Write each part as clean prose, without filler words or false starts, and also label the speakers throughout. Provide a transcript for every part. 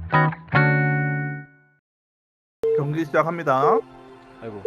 Speaker 1: 경기 시작합니다.
Speaker 2: 아이고.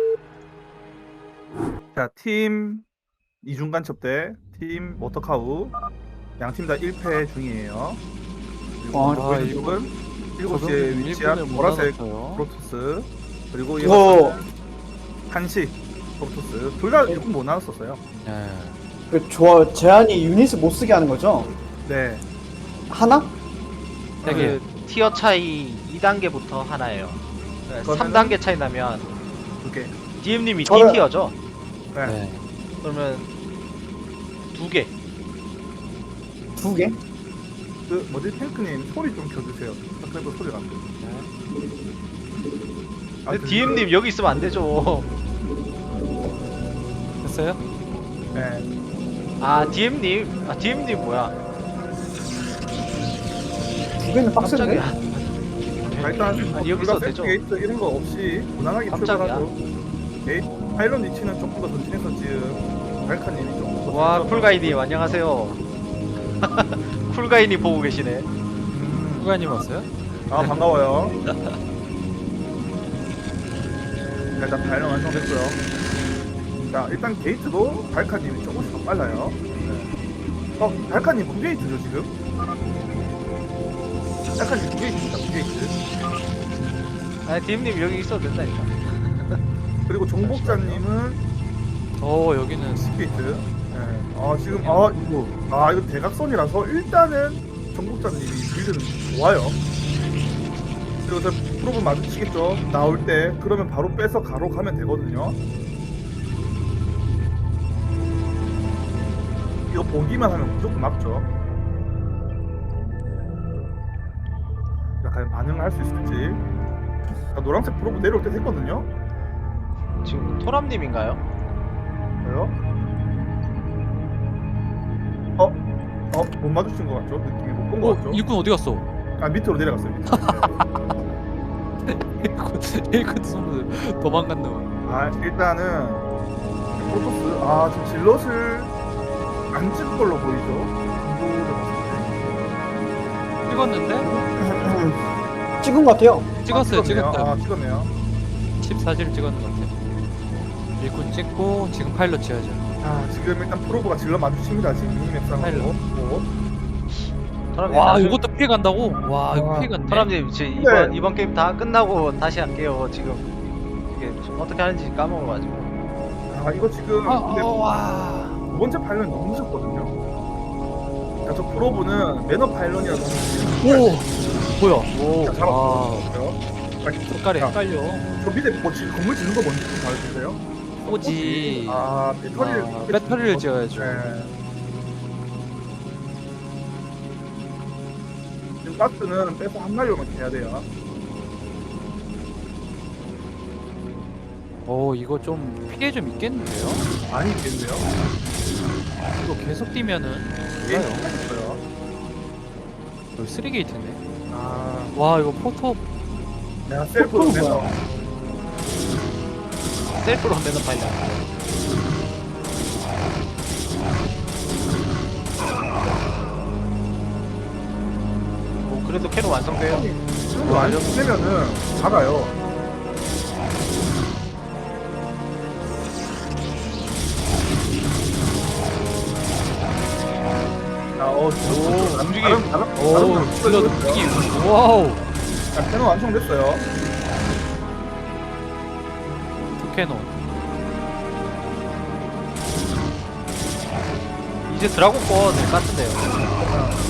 Speaker 1: 자, 팀 이중간 첩대, 팀 워터카우 양팀 다 1패 중이에요. 그리고
Speaker 3: 아,
Speaker 1: 보이는
Speaker 2: 이거
Speaker 1: 쪽은 7시에 위치한 보라색 프로토스, 그리고
Speaker 3: 이거-
Speaker 1: 이것은 한시 프로토스. 둘 다 조금 못 나눴었어요.
Speaker 2: 네.
Speaker 3: 그 제한이 유닛을 못 쓰게 하는 거죠?
Speaker 1: 네.
Speaker 3: 하나?
Speaker 2: 되게
Speaker 4: 그 티어 차이 2단계부터 하나예요.
Speaker 1: 그러면은-
Speaker 4: 3단계 차이 나면
Speaker 1: 두 개.
Speaker 4: DM님이
Speaker 3: 저는-
Speaker 4: D티어죠?
Speaker 1: 네.
Speaker 2: 네.
Speaker 4: 그러면 2개.
Speaker 3: 두 개?
Speaker 1: 그 뭐지, 탱크님 소리 좀 켜주세요. 그래도 소리가 안 돼.
Speaker 4: 근데 DM님 여기 있으면 안 되죠.
Speaker 2: 됐어요?
Speaker 1: 네.
Speaker 4: 아 DM님, 아 DM님 뭐야?
Speaker 3: 두 개는 빡센데?
Speaker 4: 깜짝이야.
Speaker 1: 일단
Speaker 4: 아니, 여기 있어도 되죠.
Speaker 1: 게이트 이런 거 없이 무난하게
Speaker 4: 깜짝이야.
Speaker 1: 출발하죠. 게이트 파일럿 위치는 조금 더 전진해서 지금 발카님이 조금 더
Speaker 4: 와
Speaker 1: 전진해서-
Speaker 4: 쿨가이님 안녕하세요. 쿨가이님 보고 계시네.
Speaker 2: 후가님 왔어요?
Speaker 1: 아, 반가워요. 일단 파일럿 완성됐고요. 자, 일단 게이트도 발카님이 조금씩 더 빨라요. 네. 발카님 9게이트죠 지금? 발카님 9게이트입니다. 9게이트.
Speaker 4: 아 DM님 여기 있어도 된다니까.
Speaker 1: 그리고 종복자님은
Speaker 2: 여기는
Speaker 1: 10게이트. 네. 아, 지금 이거 대각선이라서 일단은 종복자님이 빌드는 좋아요. 그리고 저 프로브 마주치겠죠. 나올 때. 그러면 바로 빼서 가로 가면 되거든요. 이거 보기만 하면 무조건 맞죠. 약간 반응을 할 수 있을지. 자, 노란색 프로브 내려올 때 됐거든요.
Speaker 4: 지금 토람님인가요?
Speaker 1: 왜요? 못 마주친 것 같죠? 느낌이 못 본 것 같죠?
Speaker 2: 일꾼 어디 갔어?
Speaker 1: 아, 밑으로 내려갔어요. 밑으로.
Speaker 2: 일꾼 손으로 도망갔나 봐.
Speaker 1: 아, 일단은 프로토스, 지금 질럿을 안 찍은 걸로 보이죠? 이거를 봤을
Speaker 2: 찍었는데?
Speaker 3: 찍은 것 같아요.
Speaker 1: 때.
Speaker 2: 찍었어요,
Speaker 1: 찍었네요.
Speaker 2: 찍었어요.
Speaker 1: 찍었네요.
Speaker 2: 칩 사진을 찍었는 것 같아요. 일꾼 찍고 지금 파일럿 지어야죠.
Speaker 1: 지금 일단 프로브가 질럿 마주칩니다. 지금 미니맵상으로.
Speaker 4: 토람님.
Speaker 2: 와, 이것도 피해 간다고? 와, 이거
Speaker 1: 와,
Speaker 2: 피해 갔네.
Speaker 4: 토람님 제
Speaker 1: 네.
Speaker 4: 이번 게임 다 끝나고 다시 할게요. 지금 이게 어떻게 하는지 까먹어가지고.
Speaker 1: 이거 지금 근데
Speaker 2: 와.
Speaker 1: 두 번째 파일럿이 너무 늦었거든요. 그러니까 저 프로브는 매너 파일럿이라서
Speaker 2: 오, 뭐야?
Speaker 4: 오.
Speaker 1: 자, 잡았어요.
Speaker 2: 색깔이 헷갈려.
Speaker 1: 저 밑에 뭐 건물 짓는 거 뭔지 좀 말해주세요.
Speaker 2: 오지.
Speaker 1: 배터리를
Speaker 2: 배터리를 지어야죠.
Speaker 1: 네. 지금 가스는 빼서 한 마리로만 해야 돼요.
Speaker 2: 이거 좀 피해 좀 있겠는데요?
Speaker 1: 많이 있겠는데요?
Speaker 2: 이거 계속 뛰면은
Speaker 1: 예,
Speaker 2: 몰라요.
Speaker 1: 있어요.
Speaker 2: 여기 3게이트네.
Speaker 1: 아,
Speaker 2: 와, 이거 포토
Speaker 1: 내가 셀프로
Speaker 3: 포토는
Speaker 1: 내서
Speaker 3: 뭐야?
Speaker 4: 셀프로 매너 파일럿. 오 그래도 캐논 완성돼요.
Speaker 1: 이거 안 되면은 작아요.
Speaker 4: 오, 움직임.
Speaker 2: 오, 질럿 움직임. 와우.
Speaker 1: 자, 캐논 완성됐어요.
Speaker 2: 캐논.
Speaker 4: 이제 드라곤 꺼낼 것 같은데요.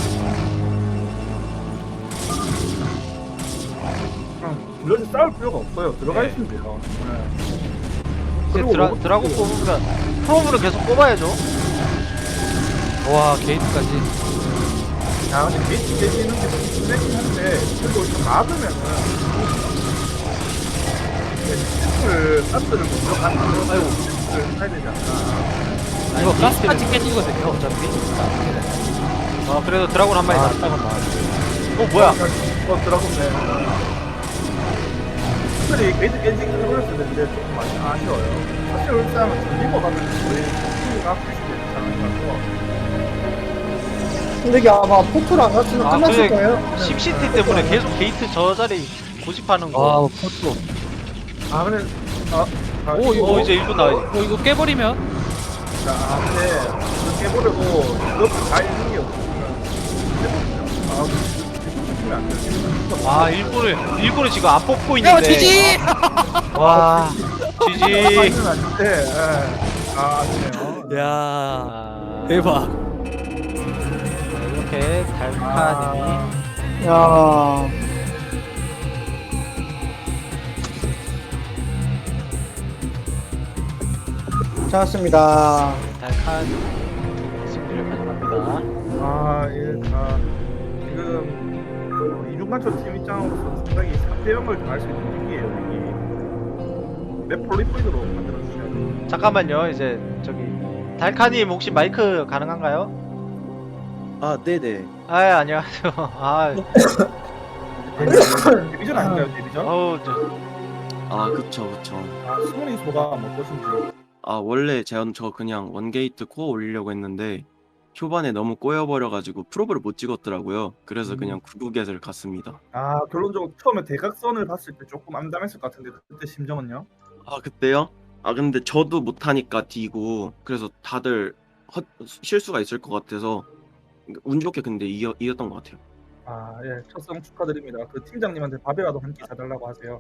Speaker 1: 이렇게 싸울 필요가 없어요. 들어가
Speaker 4: 네.
Speaker 1: 있으면 돼요.
Speaker 4: 이제
Speaker 1: 그리고
Speaker 4: 드라곤 뽑으면 프로브를 계속 뽑아야죠.
Speaker 2: 와, 게이트까지.
Speaker 1: 자, 근데 게이트 깨지는 게 좀 심하긴 한데, 그래도 좀 막으면은, 가스를 못 들어가는 거,
Speaker 4: 아이고.
Speaker 1: 를 해야 되지 않나.
Speaker 2: 이거 가스까지 깨지거든요, 어차피.
Speaker 4: 그래도 드라곤 한 마리 다.
Speaker 2: 잠깐만.
Speaker 4: 뭐야?
Speaker 1: 들어갔네. 확실히 게이트 깨지기 어렸을 텐데, 조금 많이 아쉬워요. 사실 울산은 리버 가면 거의 팀이 앞에 있지 않을까.
Speaker 3: 근데 이게 아마 포토를 안 갔으면
Speaker 4: 아,
Speaker 3: 끝났을
Speaker 4: 그래.
Speaker 3: 거예요.
Speaker 4: 심시티 때문에 계속 게이트 저 자리 고집하는 거.
Speaker 2: 아 포토.
Speaker 1: 아 근데
Speaker 2: 오, 이거-
Speaker 4: 이제 1분 나와야지.
Speaker 2: 이거 깨버리면
Speaker 1: 근데 이거 깨버려도 이것도 다 있는 게 없으면 안 돼.
Speaker 4: 아, 일부러 지금 안 뽑고 있는데.
Speaker 2: 지지.
Speaker 4: 와, 지지.
Speaker 1: 아닌데, 아쉽네요.
Speaker 2: 야
Speaker 4: 아,
Speaker 2: 대박.
Speaker 4: 이렇게 달카님이
Speaker 3: 야. 잘했습니다.
Speaker 4: 달칸 승리를 가져갑니다.
Speaker 1: 다 지금 이중간철 팀 입장으로서 상당히 3대 0을 당할 수 있는 위기예요. 위기. 맵 폴리포인으로 만들어 주셔야 돼요.
Speaker 4: 잠깐만요. 이제 저기 달카님 혹시 마이크 가능한가요?
Speaker 5: 아, 네네.
Speaker 4: 아, 안녕하세요. 아,
Speaker 1: 데뷔전 아닌가요, 데뷔전?
Speaker 4: 어우,
Speaker 5: 아, 그쵸, 그쵸.
Speaker 1: 승훈이 소감 어떠신지.
Speaker 5: 아, 원래 저 그냥 원게이트 코어 올리려고 했는데 초반에 너무 꼬여버려가지고 프로브를 못 찍었더라고요. 그래서 그냥 구구겟을 갔습니다.
Speaker 1: 결론적으로 처음에 대각선을 봤을 때 조금 암담했을 것 같은데 그때 심정은요?
Speaker 5: 아, 그때요? 아, 근데 저도 못하니까 D고 그래서 다들 실수가 있을 것 같아서 운 좋게 근데 이겼던 것 같아요.
Speaker 1: 예, 첫성 축하드립니다. 그 팀장님한테 밥이라도 한 끼 사달라고 하세요.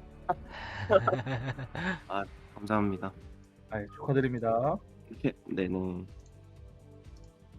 Speaker 5: 감사합니다.
Speaker 1: 축하드립니다.
Speaker 5: 네네.